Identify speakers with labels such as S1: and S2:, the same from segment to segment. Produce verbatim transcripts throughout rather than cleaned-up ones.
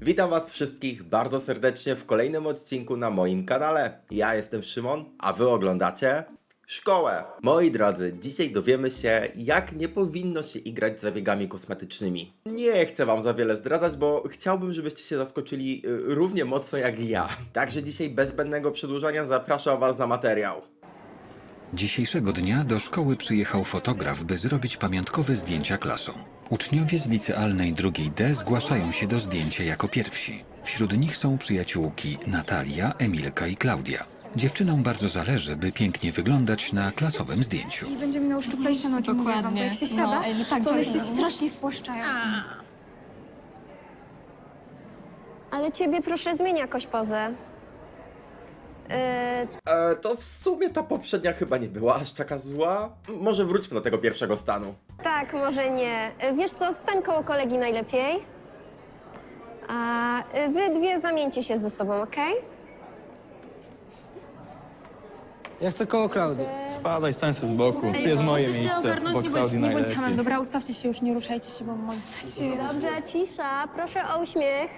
S1: Witam was wszystkich bardzo serdecznie w kolejnym odcinku na moim kanale. Ja jestem Szymon, a wy oglądacie Szkołę. Moi drodzy, dzisiaj dowiemy się, jak nie powinno się igrać zabiegami kosmetycznymi. Nie chcę wam za wiele zdradzać, bo chciałbym, żebyście się zaskoczyli y, równie mocno jak ja. Także dzisiaj bez zbędnego przedłużania zapraszam was na materiał.
S2: Dzisiejszego dnia do szkoły przyjechał fotograf, by zrobić pamiątkowe zdjęcia klasom. Uczniowie z licealnej drugiej D zgłaszają się do zdjęcia jako pierwsi. Wśród nich są przyjaciółki Natalia, Emilka i Klaudia. Dziewczynom bardzo zależy, by pięknie wyglądać na klasowym zdjęciu.
S3: I będziemy miały szczuplejsze nogi, mówię wam, bo jak się siada,
S4: No, ej, no tak,
S3: to one
S4: tak,
S3: się
S4: no.
S3: strasznie spłaszczają.
S5: Ale ciebie proszę zmień jakoś pozę. Yy,
S1: E, to w sumie ta poprzednia chyba nie była aż taka zła. Może wróćmy do tego pierwszego stanu.
S5: tak, może nie. Yy, Wiesz co, stań koło kolegi najlepiej. A yy, wy dwie zamieńcie się ze sobą, okej?
S6: Ja chcę koło Klaudii.
S7: Spadaj, stań sobie z boku. To jest moje
S3: Możecie się
S7: miejsce,
S3: ogarnąć,
S7: bo
S3: nie bądź,
S7: Klaudii
S3: nie bądź hamem.
S7: najlepiej.
S3: Dobra, ustawcie się już, nie ruszajcie się, bo może...
S5: Dobrze, cisza. Proszę o uśmiech.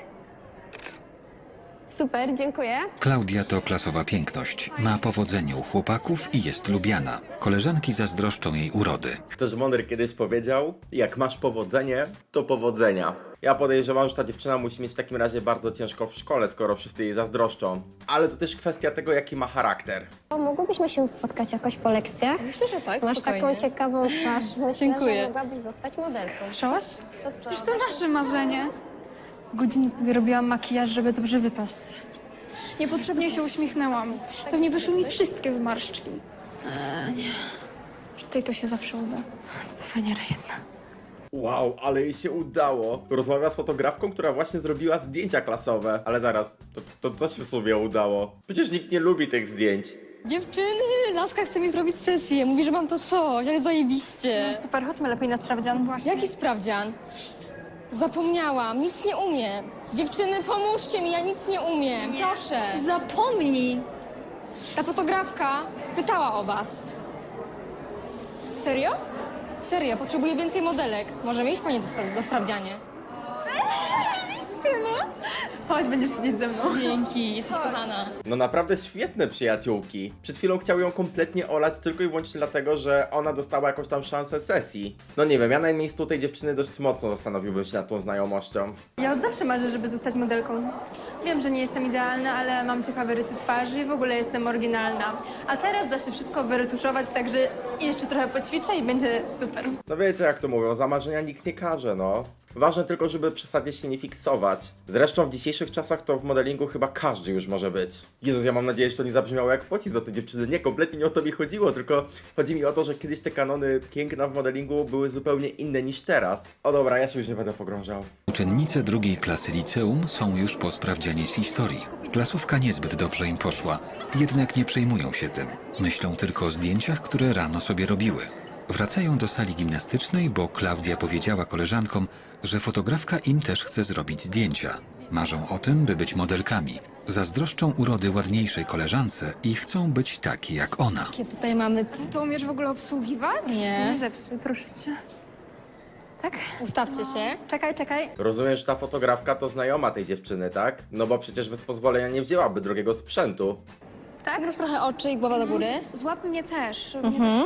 S5: Super, dziękuję.
S2: Klaudia to klasowa piękność. Ma powodzenie u chłopaków i jest lubiana. Koleżanki zazdroszczą jej urody.
S1: Ktoś mądry kiedyś powiedział, jak masz powodzenie, to powodzenia. Ja podejrzewam, że ta dziewczyna musi mieć w takim razie bardzo ciężko w szkole, skoro wszyscy jej zazdroszczą. Ale to też kwestia tego, jaki ma charakter.
S5: O, mogłybyśmy się spotkać jakoś po lekcjach?
S4: Myślę, że tak,
S5: Masz
S4: spokojnie.
S5: taką ciekawą twarz. Myślę,
S4: Dziękuję.
S5: że mogłabyś zostać modelką.
S3: Słyszałaś?
S5: To
S3: Przecież
S5: co?
S3: to nasze marzenie. Godzinę sobie robiłam makijaż, żeby dobrze wypaść. Niepotrzebnie się uśmiechnęłam. Pewnie wyszły mi wszystkie zmarszczki. Eee, nie. Tutaj to się zawsze uda. Cwaniara jedna.
S1: Wow, ale jej się udało. Rozmawia z fotografką, która właśnie zrobiła zdjęcia klasowe. Ale zaraz, to, to co się w sumie udało? Przecież nikt nie lubi tych zdjęć.
S4: Dziewczyny, Laska chce mi zrobić sesję. Mówi, że mam to coś, ale zajebiście.
S3: Super, chodźmy lepiej na sprawdzian. Właśnie.
S4: Jaki sprawdzian? Zapomniałam, nic nie umiem. Dziewczyny, pomóżcie mi, ja nic nie umiem. Proszę.
S3: Zapomnij!
S4: Ta fotografka pytała o was.
S3: Serio?
S4: Serio, potrzebuję więcej modelek. Możemy iść po nie do, spra- do sprawdzianie.
S3: Chodź, będziesz siedzieć ze mną.
S4: Dzięki, jesteś kochana.
S1: No naprawdę świetne przyjaciółki. Przed chwilą chciał ją kompletnie olać tylko i wyłącznie dlatego, że ona dostała jakąś tam szansę sesji. No nie wiem, ja na miejscu tej dziewczyny dość mocno zastanowiłbym się nad tą znajomością.
S3: Ja od zawsze marzę, żeby zostać modelką. Wiem, że nie jestem idealna, ale mam ciekawe rysy twarzy i w ogóle jestem oryginalna. A teraz da się wszystko wyretuszować, także jeszcze trochę poćwiczę i będzie super.
S1: No wiecie jak to mówią, za marzenia nikt nie każe, no. Ważne tylko, żeby przesadnie się nie fiksować. Zresztą w dzisiejszych czasach to w modelingu chyba każdy już może być. Jezus, ja mam nadzieję, że to nie zabrzmiało jak pocisk do tej dziewczyny. Nie, kompletnie nie o to mi chodziło, tylko chodzi mi o to, że kiedyś te kanony piękna w modelingu były zupełnie inne niż teraz. O dobra, ja się już nie będę pogrążał.
S2: Uczennice drugiej klasy liceum są już po sprawdzianie z historii. Klasówka niezbyt dobrze im poszła, jednak nie przejmują się tym. Myślą tylko o zdjęciach, które rano sobie robiły. Wracają do sali gimnastycznej, bo Klaudia powiedziała koleżankom, że fotografka im też chce zrobić zdjęcia. Marzą o tym, by być modelkami. Zazdroszczą urody ładniejszej koleżance i chcą być takie jak ona.
S4: Jakie tutaj mamy...
S3: Ty to umiesz w ogóle obsługiwać?
S4: Nie.
S3: Nie zepsuj, proszę cię. Tak?
S4: Ustawcie się.
S3: Czekaj, czekaj.
S1: Rozumiem, że ta fotografka to znajoma tej dziewczyny, tak? No bo przecież bez pozwolenia nie wzięłaby drugiego sprzętu.
S4: Przymruż trochę oczy i głowa do góry.
S3: Złap mnie też.
S4: Mhm.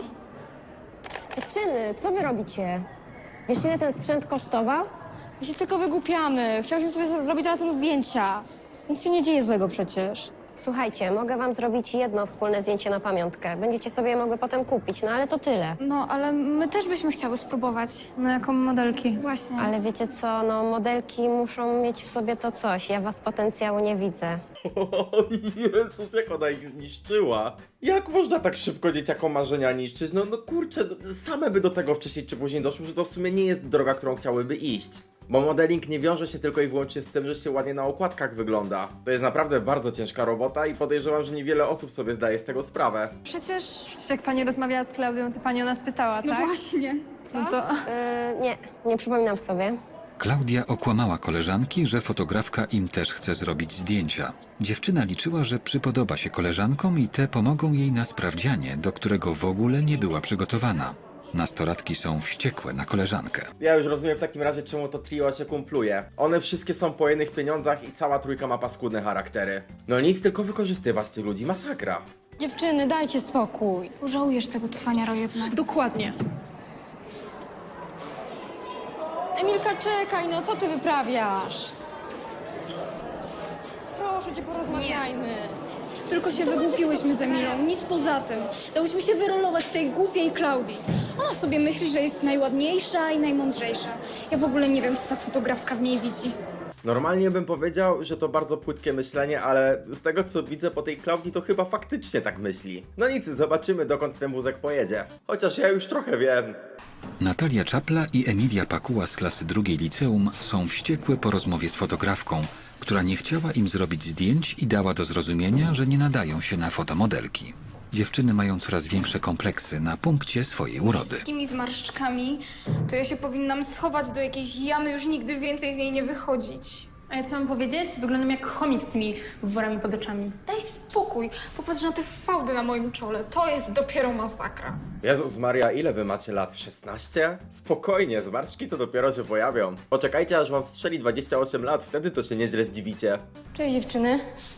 S5: Dziewczyny, co wy robicie? Wiesz, ile ten sprzęt kosztował?
S4: My się tylko wygłupiamy. Chciałyśmy sobie z- zrobić razem zdjęcia. Nic się nie dzieje złego przecież.
S5: Słuchajcie, mogę wam zrobić jedno wspólne zdjęcie na pamiątkę. Będziecie sobie je mogły potem kupić, no ale to tyle.
S3: No, ale my też byśmy chciały spróbować. No, jako modelki. Właśnie.
S5: Ale wiecie co, no modelki muszą mieć w sobie to coś. Ja was potencjału nie widzę.
S1: O Jezus, jak ona ich zniszczyła. Jak można tak szybko dzieciakom marzenia niszczyć? No, no kurczę, same by do tego wcześniej czy później doszły, że to w sumie nie jest droga, którą chciałyby iść. Bo modeling nie wiąże się tylko i wyłącznie z tym, że się ładnie na okładkach wygląda. To jest naprawdę bardzo ciężka robota i podejrzewam, że niewiele osób sobie zdaje z tego sprawę.
S3: Przecież... Przecież jak pani rozmawiała z Klaudią, to pani o nas pytała, tak? No właśnie. Co? No to...
S5: Yy, nie, nie przypominam sobie.
S2: Klaudia okłamała koleżanki, że fotografka im też chce zrobić zdjęcia. Dziewczyna liczyła, że przypodoba się koleżankom i te pomogą jej na sprawdzianie, do którego w ogóle nie była przygotowana. Nastolatki są wściekłe na koleżankę.
S1: Ja już rozumiem w takim razie, czemu to trio się kumpluje. One wszystkie są po jednych pieniądzach i cała trójka ma paskudne charaktery. No nic, tylko wykorzystywać tych ludzi, masakra.
S4: Dziewczyny, dajcie spokój.
S3: Żałujesz tego cwaniara jednak.
S4: Dokładnie. Emilka, czekaj, no co ty wyprawiasz? Proszę cię, porozmawiajmy.
S3: Tylko się wygłupiłyśmy z Emilą, nic poza tym. Dałyśmy się wyrolować tej głupiej Klaudii. Ona sobie myśli, że jest najładniejsza i najmądrzejsza. Ja w ogóle nie wiem, co ta fotografka w niej widzi.
S1: Normalnie bym powiedział, że to bardzo płytkie myślenie, ale z tego co widzę po tej Klaudii, to chyba faktycznie tak myśli. No nic, zobaczymy dokąd ten wózek pojedzie. Chociaż ja już trochę wiem.
S2: Natalia Czapla i Emilia Pakuła z klasy drugiej liceum są wściekłe po rozmowie z fotografką, która nie chciała im zrobić zdjęć i dała do zrozumienia, że nie nadają się na fotomodelki. Dziewczyny mają coraz większe kompleksy na punkcie swojej urody.
S3: Takimi zmarszczkami, to ja się powinnam schować do jakiejś jamy, już nigdy więcej z niej nie wychodzić.
S8: A ja co mam powiedzieć? Wyglądam jak chomik z tymi worami pod oczami.
S3: Daj spokój, popatrz na te fałdy na moim czole, to jest dopiero masakra.
S1: Jezus Maria, ile wy macie lat? szesnaście? Spokojnie, zmarszczki to dopiero się pojawią. Poczekajcie, aż wam strzeli dwadzieścia osiem lat, wtedy to się nieźle zdziwicie.
S4: Cześć, dziewczyny.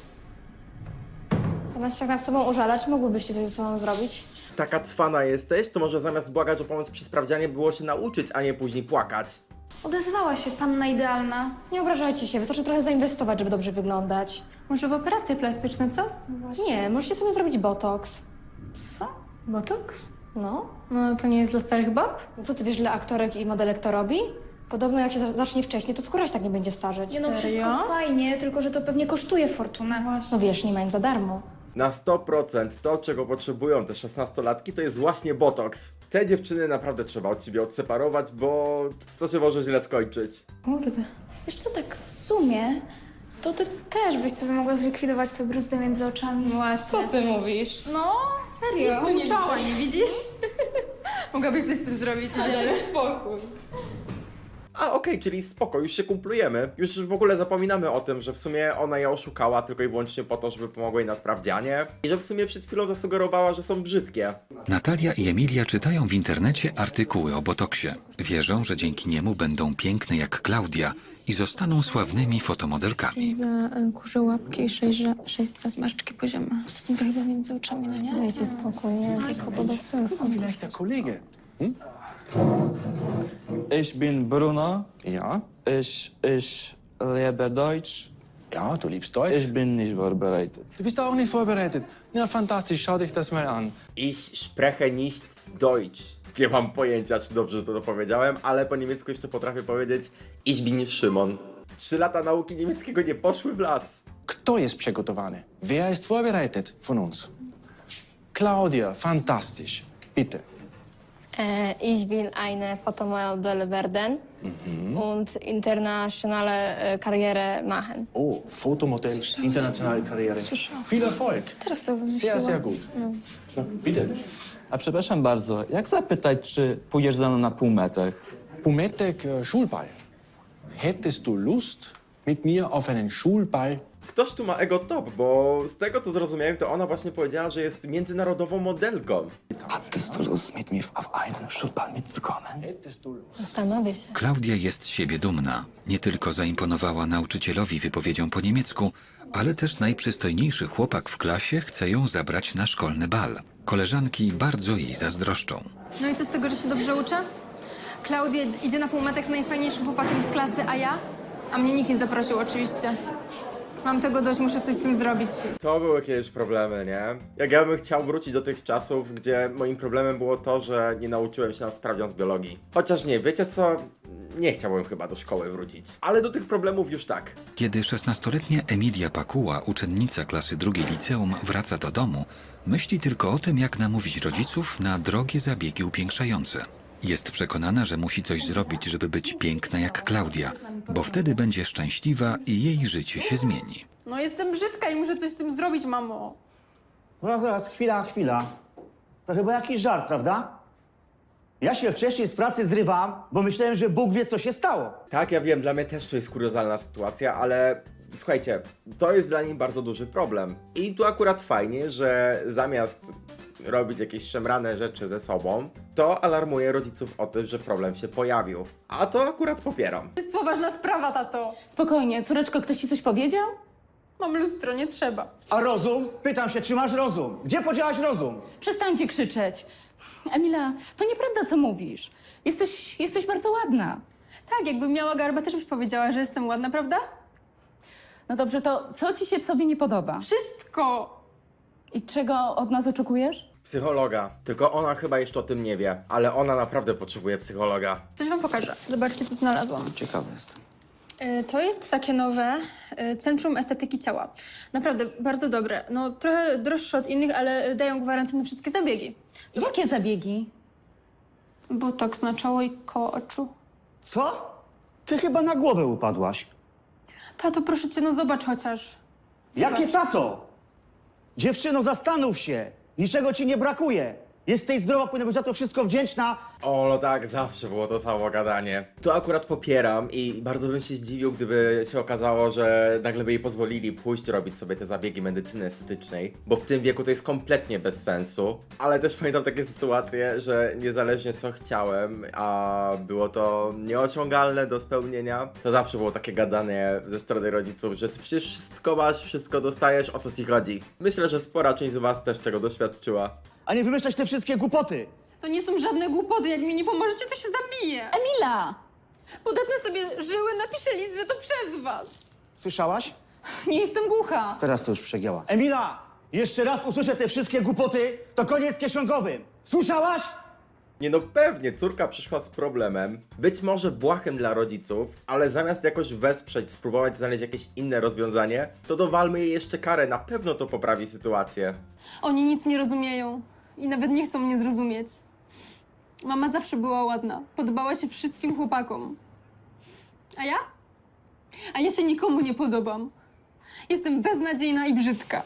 S4: Zamiast się nad sobą użalać, mogłybyście coś ze sobą zrobić?
S1: Taka cwana jesteś, to może zamiast błagać o pomoc przy sprawdzianie było się nauczyć, a nie później płakać.
S3: Odezwała się panna idealna.
S4: Nie obrażajcie się, wystarczy trochę zainwestować, żeby dobrze wyglądać.
S8: Może w operacje plastyczne, co?
S4: Nie, możecie sobie zrobić botoks.
S8: Co? Botoks?
S4: No.
S8: No to nie jest dla starych bab?
S4: No co ty wiesz, ile aktorek i modelek to robi? Podobno jak się za- zacznie wcześniej, to skóra się tak nie będzie starzeć.
S3: Nie no,
S8: Serio?
S3: wszystko fajnie, tylko że to pewnie kosztuje fortunę.
S4: No wiesz, nie mają za darmo.
S1: Na sto procent to, czego potrzebują te szesnastolatki, to jest właśnie botoks. Te dziewczyny naprawdę trzeba od siebie odseparować, bo to się może źle skończyć.
S8: Kurde.
S3: Wiesz co, tak w sumie, to ty też byś sobie mogła zlikwidować te bruzdy między oczami.
S8: Właśnie.
S4: Co ty mówisz?
S3: No, serio.
S8: No nie czoła, nie widzisz? Mogłabyś coś z tym zrobić,
S4: Daj spokój.
S1: A okej, czyli spoko, już się kumplujemy. Już w ogóle zapominamy o tym, że w sumie ona je oszukała tylko i wyłącznie po to, żeby pomogła jej na sprawdzianie. I że w sumie przed chwilą zasugerowała, że są brzydkie.
S2: Natalia i Emilia czytają w internecie artykuły o botoksie. Wierzą, że dzięki niemu będą piękne jak Klaudia i zostaną sławnymi fotomodelkami.
S8: Za y, kurze łapki i sześć, sześć za zmarszczki poziome. To są to chyba między oczami, no nie?
S4: Dajcie spokój, nie, tylko to bez sensu.
S9: Vielleicht der Kollege.
S7: Ich bin Bruno.
S9: Ja?
S7: Ich, ich liebe Deutsch.
S9: Ja, du liebst Deutsch.
S7: Ich bin nicht vorbereitet.
S9: Du bist auch nicht vorbereitet. Ja, fantastisch. Schau dich das mal an.
S1: Ich spreche nicht Deutsch. Nie mam pojęcia, czy dobrze to powiedziałem, ale po niemiecku jeszcze potrafię powiedzieć Ich bin Szymon. Trzy lata nauki niemieckiego nie poszły w las.
S9: Kto jest przygotowany? Wer ist vorbereitet von uns? Claudia, fantastisch. Bitte.
S4: Äh, ich will eine Fotomodel werden und internationale äh, Karriere machen.
S9: Oh, Fotomodell, internationale Karriere. Viel Erfolg.
S3: Teraz to
S9: Sehr,
S3: wymyśliłam.
S9: sehr gut. No, bitte.
S7: A przepraszam bardzo, jak zapytać, czy pójdziesz ze mną na półmetek?
S9: Pumetek äh, Schulball. Hättest du Lust, mit mir auf einen Schulball?
S1: Ktoś tu ma ego top, bo z tego co zrozumiałem, to ona właśnie powiedziała, że jest międzynarodową modelką.
S10: Hattest du Lust, mit mir auf einen Schulball mitzukommen?
S9: Hättest du Lust?
S4: Zastanowię się.
S2: Klaudia jest z siebie dumna. Nie tylko zaimponowała nauczycielowi wypowiedzią po niemiecku, ale też najprzystojniejszy chłopak w klasie chce ją zabrać na szkolny bal. Koleżanki bardzo jej zazdroszczą.
S8: No i co z tego, że się dobrze uczę? Klaudia idzie na półmetek z najfajniejszym chłopakiem z klasy, a ja? A mnie nikt nie zaprosił oczywiście. Mam tego dość, muszę coś z tym zrobić.
S1: To były kiedyś problemy, nie? Jak ja bym chciał wrócić do tych czasów, gdzie moim problemem było to, że nie nauczyłem się na sprawdzian z biologii. Chociaż nie, wiecie co? Nie chciałbym chyba do szkoły wrócić. Ale do tych problemów już tak.
S2: Kiedy szesnastoletnia Emilia Pakuła, uczennica klasy drugiej liceum, wraca do domu, myśli tylko o tym, jak namówić rodziców na drogie zabiegi upiększające. Jest przekonana, że musi coś zrobić, żeby być piękna jak Klaudia, bo wtedy będzie szczęśliwa i jej życie się zmieni.
S8: No jestem brzydka i muszę coś z tym zrobić, mamo.
S11: No teraz, chwila, chwila. To chyba jakiś żart, prawda? Ja się wcześniej z pracy zrywam, bo myślałem, że Bóg wie, co się stało.
S1: Tak, ja wiem, dla mnie też to jest kuriozalna sytuacja, ale słuchajcie, to jest dla niej bardzo duży problem. I tu akurat fajnie, że zamiast robić jakieś szemrane rzeczy ze sobą, to alarmuje rodziców o tym, że problem się pojawił. A to akurat popieram.
S8: To jest poważna sprawa, tato.
S12: Spokojnie, córeczko, ktoś ci coś powiedział?
S8: Mam lustro, nie trzeba.
S11: A rozum? Pytam się, czy masz rozum? Gdzie podziałaś rozum?
S12: Przestańcie krzyczeć. Emila, to nieprawda, co mówisz. Jesteś, jesteś bardzo ładna.
S8: Tak, jakbym miała garbę, też byś powiedziała, że jestem ładna, prawda?
S12: No dobrze, to co ci się w sobie nie podoba?
S8: Wszystko!
S12: I czego od nas oczekujesz?
S1: Psychologa. Tylko ona chyba jeszcze o tym nie wie, ale ona naprawdę potrzebuje psychologa.
S8: Coś wam pokażę. Zobaczcie, co znalazłam.
S10: Ciekawy jestem.
S8: Y, To jest takie nowe y, Centrum Estetyki Ciała. Naprawdę bardzo dobre. No trochę droższe od innych, ale dają gwarancję na wszystkie zabiegi.
S12: Jakie zabiegi?
S8: Botoks na czoło i koło oczu.
S11: Co? Ty chyba na głowę upadłaś.
S8: Tato, proszę cię, no zobacz chociaż.
S11: Jakie tato? Dziewczyno, zastanów się. Niczego ci nie brakuje. Jesteś zdrowa, powinna być za to wszystko wdzięczna.
S1: O, no tak, zawsze było to samo gadanie. Tu akurat popieram i bardzo bym się zdziwił, gdyby się okazało, że nagle by jej pozwolili pójść robić sobie te zabiegi medycyny estetycznej, bo w tym wieku to jest kompletnie bez sensu. Ale też pamiętam takie sytuacje, że niezależnie co chciałem, a było to nieosiągalne do spełnienia, to zawsze było takie gadanie ze strony rodziców, że ty przecież wszystko masz, wszystko dostajesz, o co ci chodzi. Myślę, że spora część z was też tego doświadczyła.
S11: A nie wymyślać te wszystkie głupoty.
S8: To nie są żadne głupoty, jak mi nie pomożecie, to się zabiję.
S12: Emila!
S8: Podatne sobie żyły, napiszę list, że to przez was.
S11: Słyszałaś?
S12: Nie jestem głucha.
S11: Teraz to już przegięła. Emila! Jeszcze raz usłyszę te wszystkie głupoty, to koniec kieszonkowym. Słyszałaś?
S1: Nie no pewnie, córka przyszła z problemem, być może błahym dla rodziców, ale zamiast jakoś wesprzeć, spróbować znaleźć jakieś inne rozwiązanie, to dowalmy jej jeszcze karę, na pewno to poprawi sytuację.
S8: Oni nic nie rozumieją i nawet nie chcą mnie zrozumieć. Mama zawsze była ładna, podobała się wszystkim chłopakom. A ja? A ja się nikomu nie podobam. Jestem beznadziejna i brzydka.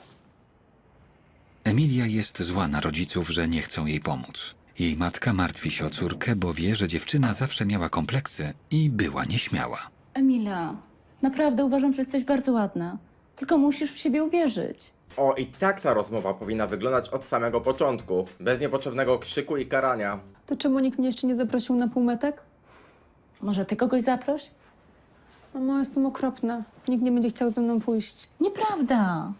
S2: Emilia jest zła na rodziców, że nie chcą jej pomóc. Jej matka martwi się o córkę, bo wie, że dziewczyna zawsze miała kompleksy i była nieśmiała.
S12: Emila, naprawdę uważam, że jesteś bardzo ładna. Tylko musisz w siebie uwierzyć.
S1: O, i tak ta rozmowa powinna wyglądać od samego początku, bez niepotrzebnego krzyku i karania.
S8: To czemu nikt mnie jeszcze nie zaprosił na półmetek?
S12: Może ty kogoś zaproś?
S8: Mamo, jestem okropna. Nikt nie będzie chciał ze mną pójść.
S12: Nieprawda.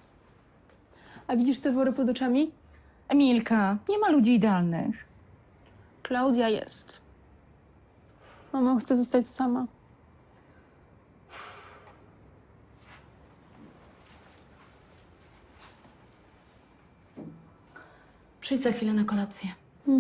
S8: A widzisz te wory pod oczami?
S12: Emilka, nie ma ludzi idealnych.
S8: Klaudia jest. Mamo, chcę zostać sama.
S12: Przyjdź za chwilę na kolację.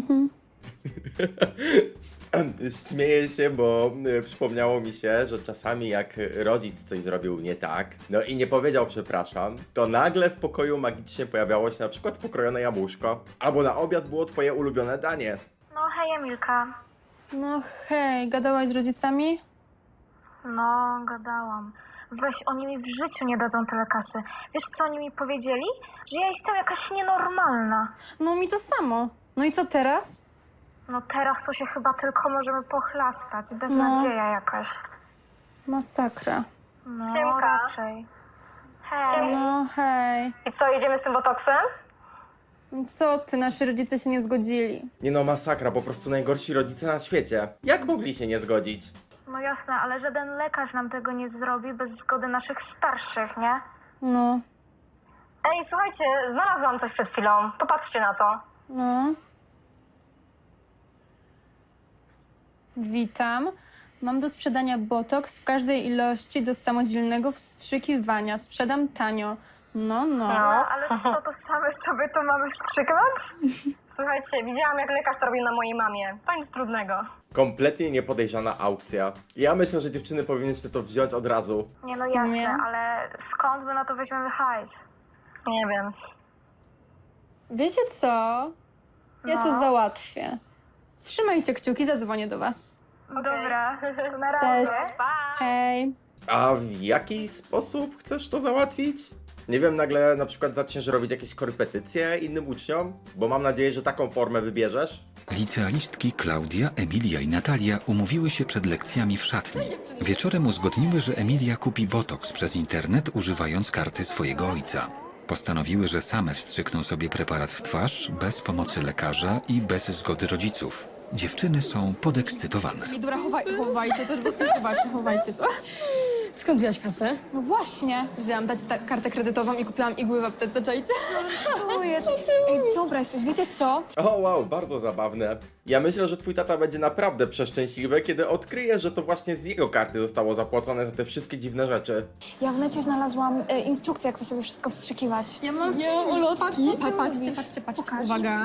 S1: Śmieję się, bo y, przypomniało mi się, że czasami jak rodzic coś zrobił nie tak, no i nie powiedział przepraszam, to nagle w pokoju magicznie pojawiało się na przykład pokrojone jabłuszko, albo na obiad było twoje ulubione danie.
S3: No hej, Emilka.
S8: No hej, gadałaś z rodzicami?
S3: No, gadałam. Weź, oni mi w życiu nie dadzą tyle kasy. Wiesz, co oni mi powiedzieli? Że ja jestem jakaś nienormalna.
S8: No mi to samo. No i co teraz?
S3: No teraz to się chyba tylko możemy pochlastać. Beznadzieja jakaś.
S8: Masakra.
S3: No, raczej. Hej.
S8: No hej.
S3: I co, jedziemy z tym botoksem?
S8: Co ty, nasi rodzice się nie zgodzili.
S1: Nie no, masakra, po prostu najgorsi rodzice na świecie. Jak mogli się nie zgodzić?
S3: No jasne, ale żaden lekarz nam tego nie zrobi bez zgody naszych starszych, nie?
S8: No,
S3: Ej, słuchajcie, znalazłam coś przed chwilą. Popatrzcie na to.
S8: no. Witam. Mam do sprzedania botoks w każdej ilości do samodzielnego wstrzykiwania. Sprzedam tanio. No, no.
S3: ale co, to same sobie to mamy wstrzyknąć? Słuchajcie, widziałam jak lekarz to robił na mojej mamie. To nic trudnego.
S1: Kompletnie niepodejrzana aukcja. Ja myślę, że dziewczyny powinnyście to wziąć od razu.
S3: Nie no
S8: W sumie?
S3: jasne, ale skąd my na to weźmiemy hajs? Nie wiem.
S8: Wiecie co? Ja to
S3: No.
S8: załatwię. Trzymajcie kciuki, zadzwonię do was.
S3: Dobra, to na razie.
S8: Cześć. Hej.
S1: A w jaki sposób chcesz to załatwić? Nie wiem, nagle na przykład zaczniesz robić jakieś korepetycje innym uczniom? Bo mam nadzieję, że taką formę wybierzesz.
S2: Licealistki Klaudia, Emilia i Natalia umówiły się przed lekcjami w szatni. Wieczorem uzgodniły, że Emilia kupi botoks przez internet, używając karty swojego ojca. Postanowiły, że same wstrzykną sobie preparat w twarz, bez pomocy lekarza i bez zgody rodziców. Dziewczyny są podekscytowane.
S8: I dobra, chowaj, chowajcie to, żeby ktoś zobaczył, chowajcie to.
S4: Skąd wziąłeś kasę?
S3: No właśnie.
S8: Wzięłam dać ta kartę kredytową i kupiłam igły w aptece, czajcie?
S3: Czujesz. Ej, dobra jesteś, wiecie co?
S1: O wow, bardzo zabawne. Ja myślę, że twój tata będzie naprawdę przeszczęśliwy, kiedy odkryje, że to właśnie z jego karty zostało zapłacone za te wszystkie dziwne rzeczy.
S3: Ja w necie znalazłam e, instrukcję, jak to sobie wszystko wstrzykiwać.
S8: Ja mam ja, patrzcie, pa, patrzcie, patrzcie, patrzcie.
S3: Pokaż.
S8: Uwaga.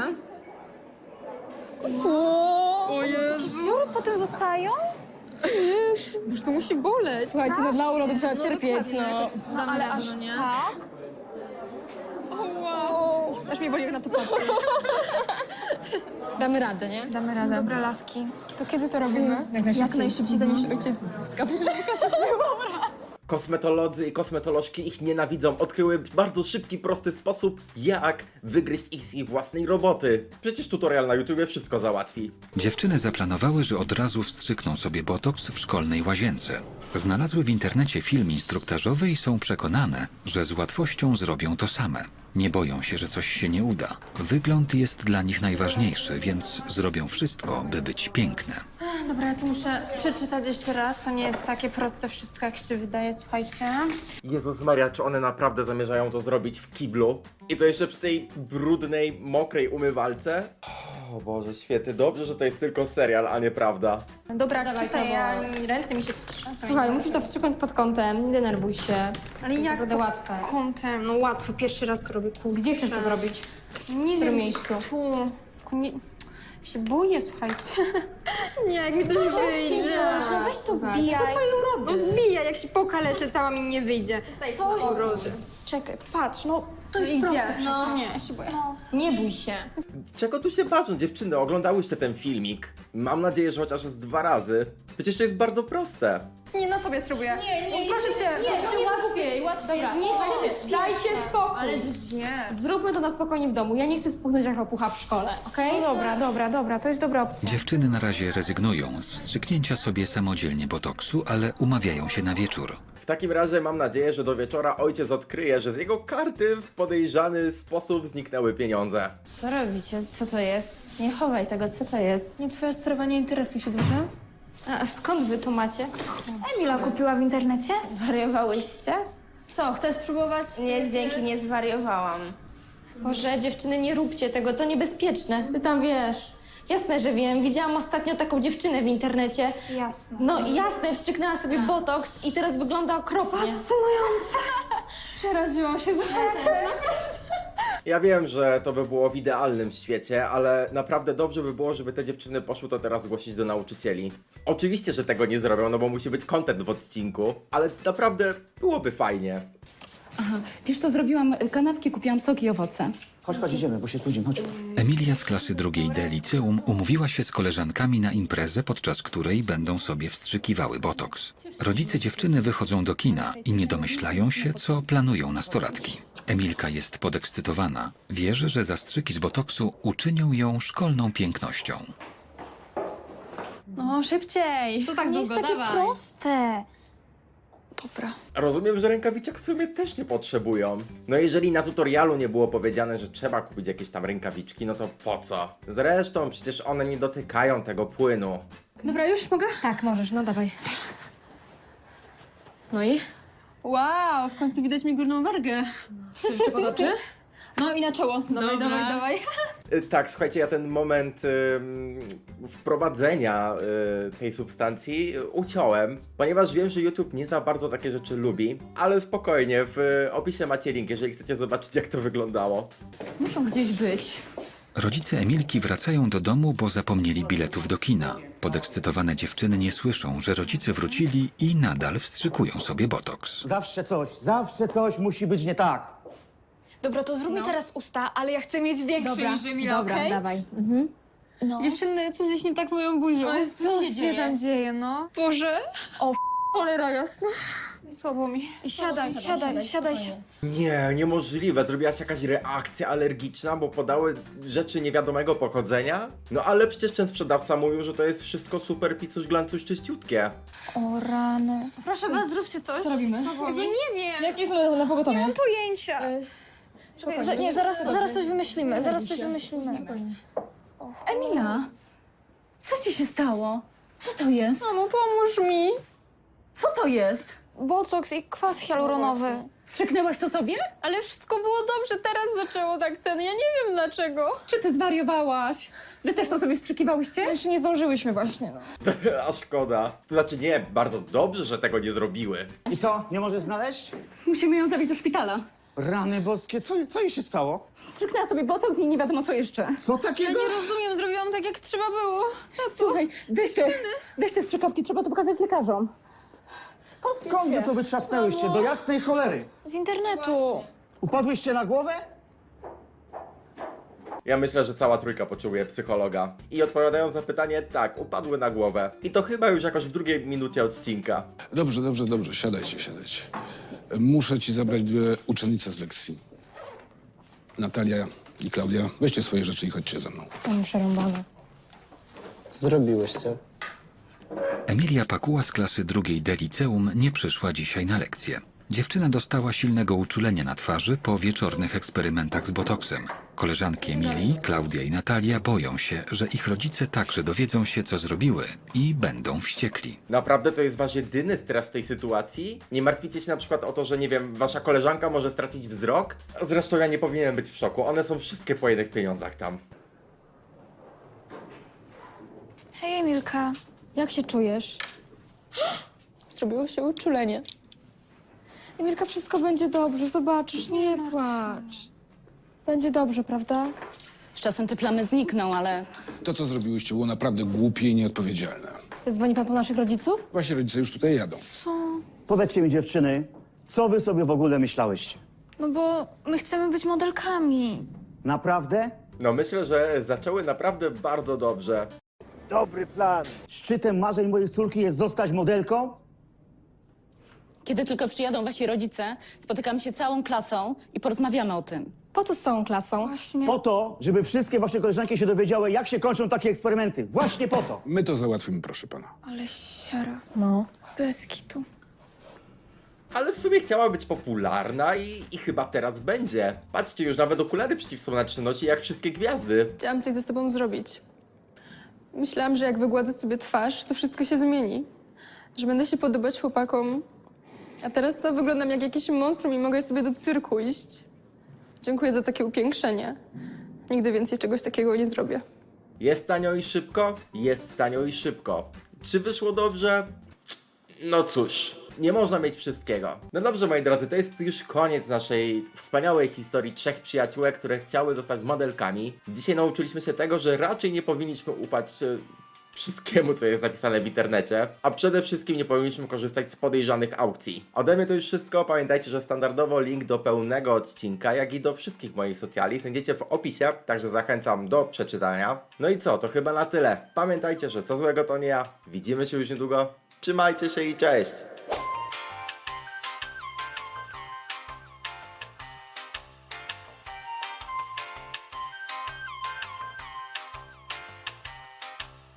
S8: O Jezu.
S3: Dziury potem zostają?
S8: Już to musi boleć.
S4: Słuchajcie, no dla urody trzeba cierpieć,
S8: dokładnie,
S4: no.
S8: jakoś damy
S3: Ale
S8: radę,
S3: aż
S8: no nie?
S3: tak?
S8: O wow. Aż mnie boli, jak na to patrzę.
S4: Damy radę, nie?
S3: Damy radę. Dobra, laski. To kiedy to robimy?
S8: Jak najszybciej, zanim się ojciec skapnie na kasę wzięła.
S1: Kosmetolodzy i kosmetolożki ich nienawidzą, odkryły bardzo szybki, prosty sposób, jak wygryźć ich z ich własnej roboty. Przecież tutorial na YouTubie wszystko załatwi.
S2: Dziewczyny zaplanowały, że od razu wstrzykną sobie botoks w szkolnej łazience. Znalazły w internecie film instruktażowy i są przekonane, że z łatwością zrobią to same. Nie boją się, że coś się nie uda. Wygląd jest dla nich najważniejszy, więc zrobią wszystko, by być piękne.
S3: Dobra, ja tu muszę przeczytać jeszcze raz. To nie jest takie proste wszystko, jak się wydaje, słuchajcie.
S1: Jezus Maria, czy one naprawdę zamierzają to zrobić w kiblu? I to jeszcze przy tej brudnej, mokrej umywalce? O Boże, świetnie. Dobrze, że to jest tylko serial, a nie prawda.
S3: Dobra,
S4: Dawaj,
S3: czytaj,
S4: to
S3: ja
S4: bo-
S3: ręce mi się trzęsą.
S4: Słuchaj, musisz to wstrzyknąć pod kątem, nie denerwuj się.
S3: Ale
S4: To jest
S3: jak
S4: naprawdę
S3: pod
S4: łatwe.
S3: kątem? No łatwo, pierwszy raz to robię, kurczę.
S4: Gdzie chcesz to zrobić?
S3: Nie
S4: W którym
S3: wiem,
S4: miejscu?
S3: tu. Tylko nie... Ja się boję, słuchajcie. Nie, jak mi coś wyjdzie.
S4: No weź to
S3: wbijaj.
S4: wbijaj.
S3: No wbijaj, jak się pokaleczę, cała mi nie wyjdzie. Coś urody. Czekaj, patrz, no to jest
S8: idzie.
S3: proste
S8: No.
S3: przecież. Nie, ja się boję.
S4: Nie bój się.
S1: Czego tu się bawią, dziewczyny? Oglądałyście ten filmik? Mam nadzieję, że chociaż z dwa razy. Przecież to jest bardzo proste.
S3: Nie, na tobie spróbuję.
S4: Nie, nie,
S3: Proszę cię.
S4: nie,
S3: proszę
S4: nie,
S3: łatwiej, łatwiej.
S4: Dobra, nie, dajcie, dajcie spokój.
S3: Ale że nie.
S4: Zróbmy to na spokojnie w domu. Ja nie chcę spuchnąć jak ropucha w szkole, okej?
S3: No dobra, dobra, dobra, to jest dobra opcja.
S2: Dziewczyny na razie rezygnują z wstrzyknięcia sobie samodzielnie botoksu, ale umawiają się na wieczór.
S1: W takim razie mam nadzieję, że do wieczora ojciec odkryje, że z jego karty w podejrzany sposób zniknęły pieniądze.
S13: Co robicie? Co to jest? Nie chowaj tego, co to jest?
S3: Nie twoja sprawa, nie interesuj się, dobrze?
S13: A skąd wy tu macie?
S3: Emila kupiła w internecie?
S13: Zwariowałyście?
S3: Co, chcesz spróbować?
S13: Nie, dzięki, nie zwariowałam.
S4: Boże, dziewczyny, nie róbcie tego, to niebezpieczne. Ty tam wiesz. Jasne, że wiem. Widziałam ostatnio taką dziewczynę w internecie.
S3: Jasne.
S4: No jasne, wstrzyknęła sobie botoks i teraz wygląda okropnie.
S3: Fascynujące. Przeraziłam się, słuchajcie.
S1: Ja wiem, że to by było w idealnym świecie, ale naprawdę dobrze by było, żeby te dziewczyny poszły to teraz zgłosić do nauczycieli. Oczywiście, że tego nie zrobią, no bo musi być content w odcinku, ale naprawdę byłoby fajnie.
S12: Aha, wiesz co, zrobiłam kanapki, kupiłam soki i owoce.
S11: Chodź, chodź, idziemy, bo się spóźnimy, chodź.
S2: Emilia z klasy drugiej D liceum umówiła się z koleżankami na imprezę, podczas której będą sobie wstrzykiwały botoks. Rodzice dziewczyny wychodzą do kina i nie domyślają się, co planują nastolatki. Emilka jest podekscytowana. Wierzy, że zastrzyki z botoksu uczynią ją szkolną pięknością.
S8: No, szybciej.
S4: To tak
S3: Nie jest
S4: długo,
S3: takie
S4: dawaj.
S3: proste. Dobra.
S1: Rozumiem, że rękawiczek w sumie też nie potrzebują. No jeżeli na tutorialu nie było powiedziane, że trzeba kupić jakieś tam rękawiczki, no to po co? Zresztą przecież one nie dotykają tego płynu.
S8: Dobra, już mogę?
S4: Tak, możesz, no dawaj. No i?
S8: Wow, w końcu widać mi górną wargę.
S4: Chcesz pod oczy?
S8: No i na czoło. Dawaj,
S4: Dobra.
S8: dawaj, dawaj.
S1: Y, Tak, słuchajcie, ja ten moment ym, wprowadzenia y, tej substancji y, uciąłem, ponieważ wiem, że YouTube nie za bardzo takie rzeczy lubi, ale spokojnie, w opisie macie link, jeżeli chcecie zobaczyć, jak to wyglądało.
S12: Muszą gdzieś być.
S2: Rodzice Emilki wracają do domu, bo zapomnieli biletów do kina. Podekscytowane dziewczyny nie słyszą, że rodzice wrócili i nadal wstrzykują sobie botoks.
S11: Zawsze coś, zawsze coś musi być nie tak.
S3: Dobra, to zrób mi teraz usta, ale ja chcę mieć większy
S4: Dobra,
S3: niż Emila,
S4: dobra,
S3: okej?
S4: dawaj. Mhm.
S3: No.
S8: Dziewczyny, coś jest nie tak z moją buzią.
S3: No jest
S8: Co
S3: coś się tam dzieje, no.
S8: Boże.
S3: O,
S8: Cholera jasna.
S3: Słabo mi. Siadaj, siadaj, siadaj.
S4: spokojnie.
S1: Nie, niemożliwe, zrobiłaś jakaś reakcja alergiczna, bo podały rzeczy niewiadomego pochodzenia? No ale przecież ten sprzedawca mówił, że to jest wszystko super picuś glancuś czyściutkie.
S3: O rany.
S8: Proszę was, zróbcie coś.
S4: Co robimy?
S3: Jezu, nie wiem.
S4: Jakie są na pogotowie?
S3: Nie mam pojęcia. Czekaj, za, nie, zaraz, zaraz coś wymyślimy, zaraz coś wymyślimy.
S12: Emila, co ci się stało? Co to jest?
S3: Mamo, pomóż mi.
S12: Co to jest?
S3: Botoks i kwas hialuronowy.
S12: Strzyknęłaś to sobie?
S8: Ale wszystko było dobrze, teraz zaczęło tak ten, ja nie wiem dlaczego.
S12: Czy ty zwariowałaś? Wy też to sobie wstrzykiwałyście?
S3: Jeszcze nie zdążyłyśmy właśnie, no.
S1: A szkoda. To znaczy nie, bardzo dobrze, że tego nie zrobiły.
S11: I co, nie możesz znaleźć?
S12: Musimy ją zawieźć do szpitala.
S11: Rany boskie, co, co jej się stało?
S12: Strzyknęła sobie botoks i nie wiadomo co jeszcze.
S11: Co
S8: Ja
S11: takiego?
S8: nie rozumiem, zrobiłam tak jak trzeba było.
S12: Słuchaj, weź te, weź te strzykawki, trzeba to pokazać lekarzom.
S11: Skąd wy to wytrzasnęłyście? Do jasnej cholery.
S3: Z internetu.
S11: Upadłyście na głowę?
S1: Ja myślę, że cała trójka potrzebuje psychologa. I odpowiadając na pytanie, tak, upadły na głowę. I to chyba już jakoś w drugiej minucie odcinka.
S14: Dobrze, dobrze, dobrze, siadajcie, siadajcie. Muszę ci zabrać dwie uczennice z lekcji. Natalia i Klaudia, weźcie swoje rzeczy i chodźcie ze mną.
S3: Mam przerąbane.
S6: Co zrobiłyście?
S2: Emilia Pakuła z klasy drugiej D liceum nie przyszła dzisiaj na lekcję. Dziewczyna dostała silnego uczulenia na twarzy po wieczornych eksperymentach z botoksem. Koleżanki Emilii, Klaudia i Natalia boją się, że ich rodzice także dowiedzą się, co zrobiły i będą wściekli.
S1: Naprawdę to jest wasz jedyny stres w tej sytuacji? Nie martwicie się na przykład o to, że nie wiem, wasza koleżanka może stracić wzrok? Zresztą ja nie powinienem być w szoku, one są wszystkie po jednych pieniądzach tam.
S3: Hej, Emilka. Jak się czujesz?
S8: Zrobiło się uczulenie.
S3: Emilka, wszystko będzie dobrze, zobaczysz, nie płacz. Będzie dobrze, prawda?
S12: Z czasem te plamy znikną, ale
S14: To, co zrobiłyście, było naprawdę głupie i nieodpowiedzialne.
S3: Zadzwoni pan po naszych rodziców?
S14: Wasi rodzice już tutaj jadą.
S11: Powiedzcie mi, dziewczyny, co wy sobie w ogóle myślałyście?
S3: No bo my chcemy być modelkami.
S11: Naprawdę?
S1: No myślę, że zaczęły naprawdę bardzo dobrze.
S11: Dobry plan. Szczytem marzeń mojej córki jest zostać modelką?
S12: kiedy tylko przyjadą wasi rodzice, spotykamy się całą klasą i porozmawiamy o tym.
S3: Po co z całą klasą? Właśnie.
S11: Po to, żeby wszystkie wasze koleżanki się dowiedziały, jak się kończą takie eksperymenty. Właśnie po to.
S14: My to załatwimy, proszę pana.
S3: Ale siara. No. Bez kitu.
S1: Ale w sumie chciała być popularna i, i chyba teraz będzie. Patrzcie, już nawet okulary przeciwsłoneczne nosi jak wszystkie gwiazdy.
S8: Chciałam coś ze sobą zrobić. Myślałam, że jak wygładzę sobie twarz, to wszystko się zmieni. Że będę się podobać chłopakom. A teraz co? Wyglądam jak jakieś monstrum i mogę sobie do cyrku iść. Dziękuję za takie upiększenie. Nigdy więcej czegoś takiego nie zrobię.
S1: Jest tanio i szybko? Jest tanio i szybko. Czy wyszło dobrze? No cóż, nie można mieć wszystkiego. No dobrze, moi drodzy, to jest już koniec naszej wspaniałej historii trzech przyjaciółek, które chciały zostać modelkami. Dzisiaj nauczyliśmy się tego, że raczej nie powinniśmy ufać e, wszystkiemu, co jest napisane w internecie, a przede wszystkim nie powinniśmy korzystać z podejrzanych aukcji. Ode mnie to już wszystko. Pamiętajcie, że standardowo link do pełnego odcinka, jak i do wszystkich moich socjali znajdziecie w opisie, także zachęcam do przeczytania. No i co, to chyba na tyle. Pamiętajcie, że co złego to nie ja. Widzimy się już niedługo. Trzymajcie się i cześć!